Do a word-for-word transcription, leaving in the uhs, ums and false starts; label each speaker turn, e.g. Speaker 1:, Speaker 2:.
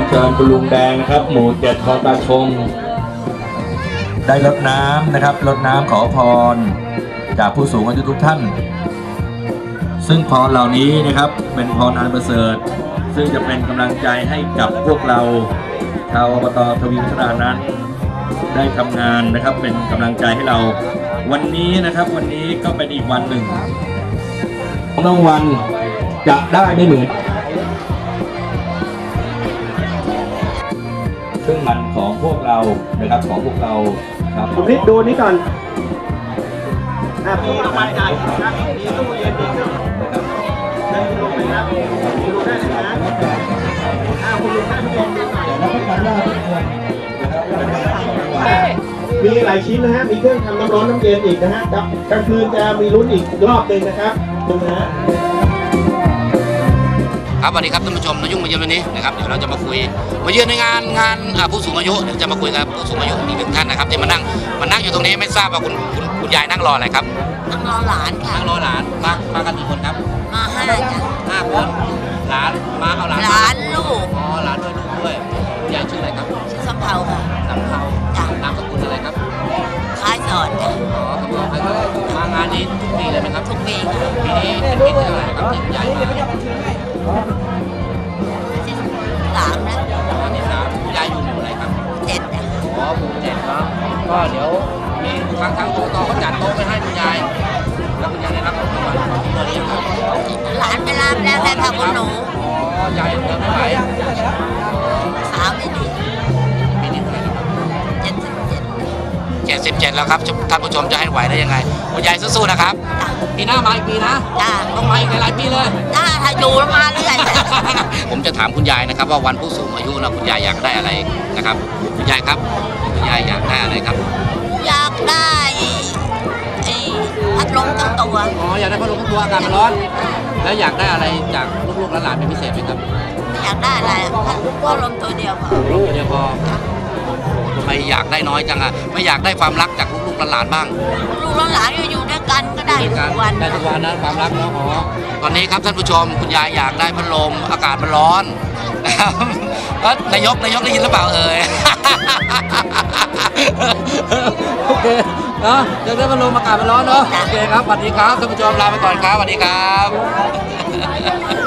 Speaker 1: เชิญคุณลุงแดงนะครับหมู่เจ็ดคลองตาชงได้รดน้ำนะครับรดน้ำขอพรจากผู้สูงอายุทุกท่านซึ่งพรเหล่านี้นะครับเป็นพรอันประเสริฐซึ่งจะเป็นกำลังใจให้กับพวกเราชาวอบต.ทวีวัฒนานั้นได้ทำงานนะครับเป็นกำลังใจให้เราวันนี้นะครับวันนี้ก็เป็นอีกวันหนึ่งรางวัลจะได้ไม่เหมือนซึ่งมันของพวกเรานะครับของพวกเราครับ
Speaker 2: คุณนิดดูนี้ก่อนอ่ะมีรางวัลใหญ่ครับมีตู้เย็นมีเครื่องนะครับเชิญคุณลุงเลยครับคุณลุงได้เลยนะอ่าคุณลุงได้ทุกคนดูหน่อยแล้วก็การล่าทุกคนมีหลายชิ้นนะฮะมีเครื่องทำน้ำร้อนน้ำเย็นอีกนะฮะครับกลางคืนจะมีลุ้นอีกรอบหนึ่งนะครับดูนะฮะ
Speaker 3: ครับสวัสดีครับท่านผู้ชมนยุ่งมาเยือนวันนี้นะครับเดี๋ยวเราจะมาคุยมาเยือนในงานงานผู้สูงอายุเดี๋ยวจะมาคุยกับผู้สูงอายุอีกหนึ่งท่านนะครับที่มานั่งมานั่งอยู่ตรงนี้ไม่ทราบว่าคุณคุณคุณยายนั่งรออะไรครับ
Speaker 4: นั่งรอหลานค่ะ
Speaker 3: นั่งรอหลานมามากันกี่คนครับ
Speaker 4: มาห้าจ้ะ
Speaker 3: ห้าคนหลานมาเอาหลาน
Speaker 4: หลานลูก
Speaker 3: อ๋อหลานด้วยลูกด้วยคุณยายชื่ออะไรครับ
Speaker 4: ชื่อสำเภาค่ะ
Speaker 3: สำเภา
Speaker 4: จ้ะ
Speaker 3: นามสกุลอะไรครับ
Speaker 4: คล้ายสอนจ้ะ
Speaker 3: อ๋อครับมางานนี้ทุกปีเลยไหมครับ
Speaker 4: ทุกปีค่ะ
Speaker 3: ปีนี้เป็นปีที่เท่าไหร่ครับที่คุณยายมา
Speaker 4: สามนะ
Speaker 3: อันที่สามยายอยู่หมู่ไหนครับ
Speaker 4: เจ็ดจ้ะ
Speaker 3: อ๋อหมู่เจ็ดเนาะก็เดี๋ยวมีทางทางโต๊ะเขาจัดโต๊ะไปให้คุณยายแล้วคุณยายได้รับรางวัลตัวนี้ครับ
Speaker 4: หลานไปรับแล้วแต่ทำคุณหนู
Speaker 3: อ๋อยายเดินไม่ไหว
Speaker 4: สาวไม่ดี
Speaker 3: ปีนี้เท่าไหร่ครับ
Speaker 4: เจ็ดสิบเจ็ด
Speaker 3: เจ็ดสิบเจ็ดแล้วครับท่านผู้ชมจะให้ไหวได้ยังไงคุณยายสู้ๆนะครับปีหน้ามาอีกปีนะ
Speaker 4: จ้ะ
Speaker 3: ต้องมาอีกหลายปีเลย
Speaker 4: จ้าถ้าอยู่มาเรื่อย
Speaker 3: ผมจะถามคุณยายนะครับว่าวันผู้สูงอายุนะคุณยายอยากได้อะไรนะครับคุณยายครับคุณยายอยากได้อะไรครับ
Speaker 4: อยากได้ไอ้พัดลมทั้งตัว
Speaker 3: อ๋ออยากได้พัดลมทั้งตัวอากาศมันร้อนแล้วอยากได้อะไรจากลูกๆหลานๆเป็นพิเศษไหมครับ
Speaker 4: อยากได้อะไรพัดลมตัวเดียวพอ
Speaker 3: พัดลมตัวเดียวพอทำไมอยากได้น้อยจังอ่ะไม่อยากได้ความรักจากลูกๆหลานๆบ้าง
Speaker 4: ลูกหลานอยู่ด้วยกันก็ได้ทุกวัน
Speaker 3: ได้ทุกวันนะความรักเนาะอ๋อตอนนี้ครับท่านผู้ชมคุณยายอยากได้พัดลมอากาศมันร้อนนะครับนายกนายกได้ยินหรือเปล่าเอ่ยโอเคเนาะอยากได้พัดลมอากาศมันร้อนเนาะโอเคครับสวัสดีครับท่านผู้ชมลาไปก่อนครับสวัสดีครับ